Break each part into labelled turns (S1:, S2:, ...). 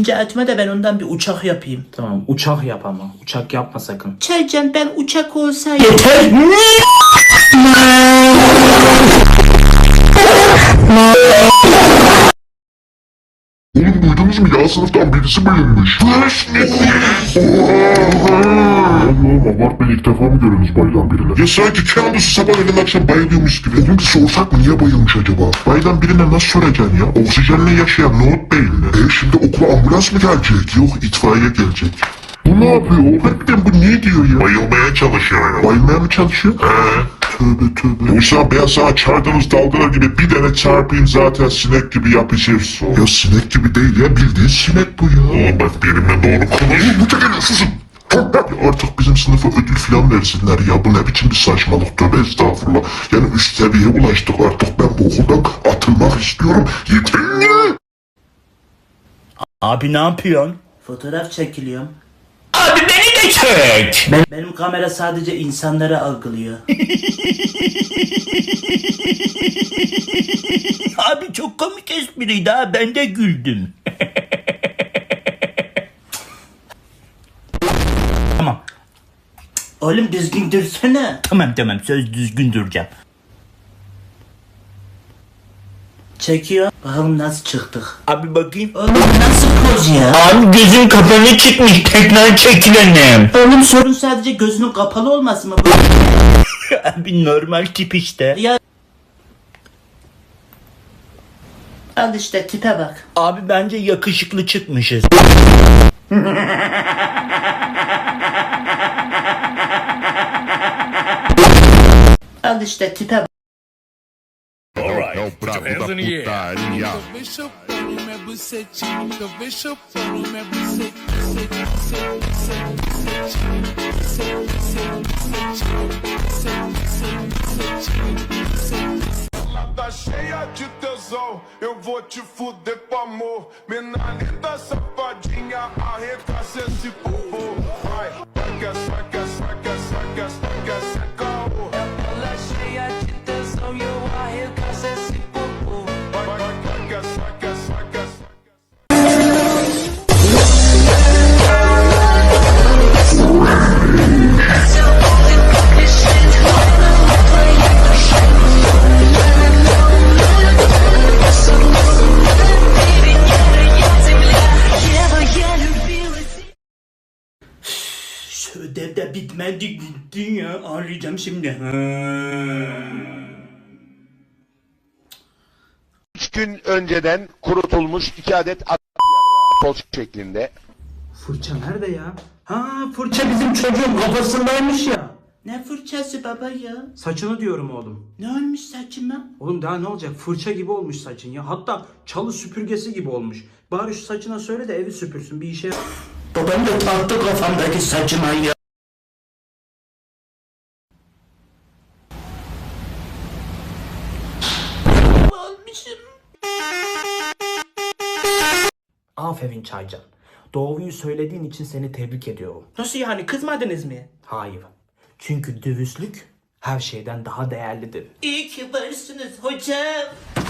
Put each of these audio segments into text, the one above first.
S1: Atma da ben ondan bir uçak yapayım.
S2: Tamam, uçak yap ama. Uçak yapma sakın.
S1: Çaycan, ben uçak olsaydım.
S2: Yeter!
S3: Oğlum duydunuz mu ya, sınıftan birisi bayılmış. Oğlum abartma, ilk defa mı görüyorsunuz bayılan birini? Ya sanki kendisi sabahleyin akşam bayılıyormuş gibi. Dedim ki sorsak mı, niye bayılmış acaba? Bayılan birine nasıl soracaksın ya? Oksijenle yaşayan nohut beyinli. Şimdi okula ambulans mı gelecek? Yok, itfaiye gelecek. Bu ne yapıyor? Harbiden bu ne diyor ya? Bayılmaya çalışıyor ya. Bayılmaya mı çalışıyor? Tövbe tövbe. Yoksa ben sana çardınız dalgalar gibi bir tane çarpayım, zaten sinek gibi yapışırsın. Ya sinek gibi değil ya, bildiğin sinek bu ya. Oğlum bak, benimle doğru konuş. Bu çekelim, susun. Ya artık bizim sınıfa ödül falan versinler ya. Bu ne biçim bir saçmalık, tövbe estağfurullah. Yani üst seviyeye ulaştık artık, ben bu okuldan atılmak istiyorum. Yeter.
S4: Abi ne yapıyorsun?
S1: Fotoğraf çekiliyorum.
S4: Abi beni de çek.
S1: Benim kamera sadece insanları algılıyor.
S4: Abi çok komik espriydi ha, ben de güldüm. Tamam.
S1: Oğlum düzgün dursana.
S4: Tamam söz düzgün duracağım.
S1: Çekiyor. Bakalım nasıl çıktık.
S4: Abi bakayım.
S1: Oğlum nasıl poz ya?
S4: Abi gözün kapalı çıkmış, tekrar çekilelim.
S1: Oğlum sorun sadece gözünün kapalı olması mı?
S4: Abi normal tip işte.
S1: Ya al işte, tipe bak.
S4: Abi bence yakışıklı çıkmışız.
S1: Al işte, tipe bak.
S3: É o brabo da putaria.
S5: Vem chupando minha bucetinha, vem chupando minha bucetinha.
S6: Tá cheia de tesão, eu vou te fuder com amor. Mina linda, safadinha, arregaça esse popô. Vai, vai que é, vai que é, vai que é, vai que é, vai que é, vai que é,
S5: Ela cheia de tesão e eu arregaço esse popô.
S6: vai, vai, vai que é, vai que é, vai que é.
S4: Şu ödev de bitmedi gitti ya. Ağlayacağım şimdi.
S7: 3 gün önceden kurutulmuş 2 adet poz şeklinde.
S2: Fırça nerede ya? Ha, fırça bizim çocuğun kafasındaymış ya.
S1: Ne fırçası baba ya?
S2: Saçını diyorum oğlum.
S1: Ne olmuş saçıma?
S2: Oğlum daha ne olacak? Fırça gibi olmuş saçın ya. Hatta çalı süpürgesi gibi olmuş. Bari şu saçına söyle de evi süpürsün, bir işe.
S1: Babam da taktı kafamdaki saçıma ya. Olmuşum.
S2: Aferin Çaycan. Doğruyu söylediğin için seni tebrik ediyorum.
S1: Nasıl yani, kızmadınız mı?
S2: Hayır. Çünkü dürüstlük her şeyden daha değerlidir.
S1: İyi ki varsınız hocam.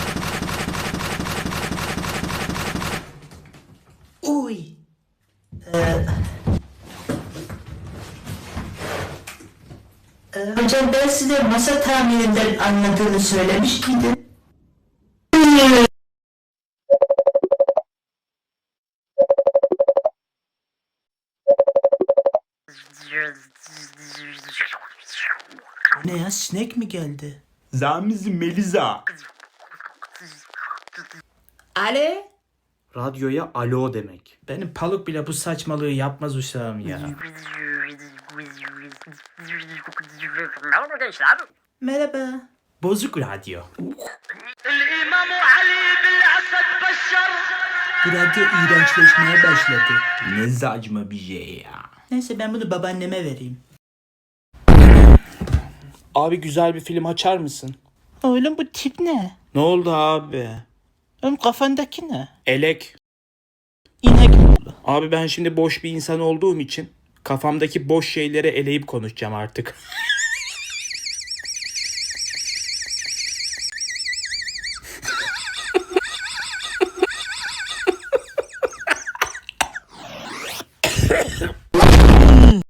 S1: Uy. Hocam, ben size masa tamirinden anladığını söylemiş miydim? Ne ya, sinek mi geldi?
S4: Zamizi Meliza.
S1: Ale?
S2: Radyoya alo demek.
S1: Benim paluk bile bu saçmalığı yapmaz uşağım ya.
S8: Merhaba gençler.
S1: Merhaba.
S4: Bozuk radyo.
S1: Bu radyo iğrençleşmeye başladı.
S4: Ne saçma bir şey ya.
S1: Neyse, ben bunu babaanneme vereyim.
S4: Abi güzel bir film açar mısın?
S1: Oğlum bu tip ne?
S4: Ne oldu abi?
S1: Oğlum kafandaki ne?
S4: Elek.
S1: İnek mi?
S4: Abi ben şimdi boş bir insan olduğum için kafamdaki boş şeyleri eleyip konuşacağım artık.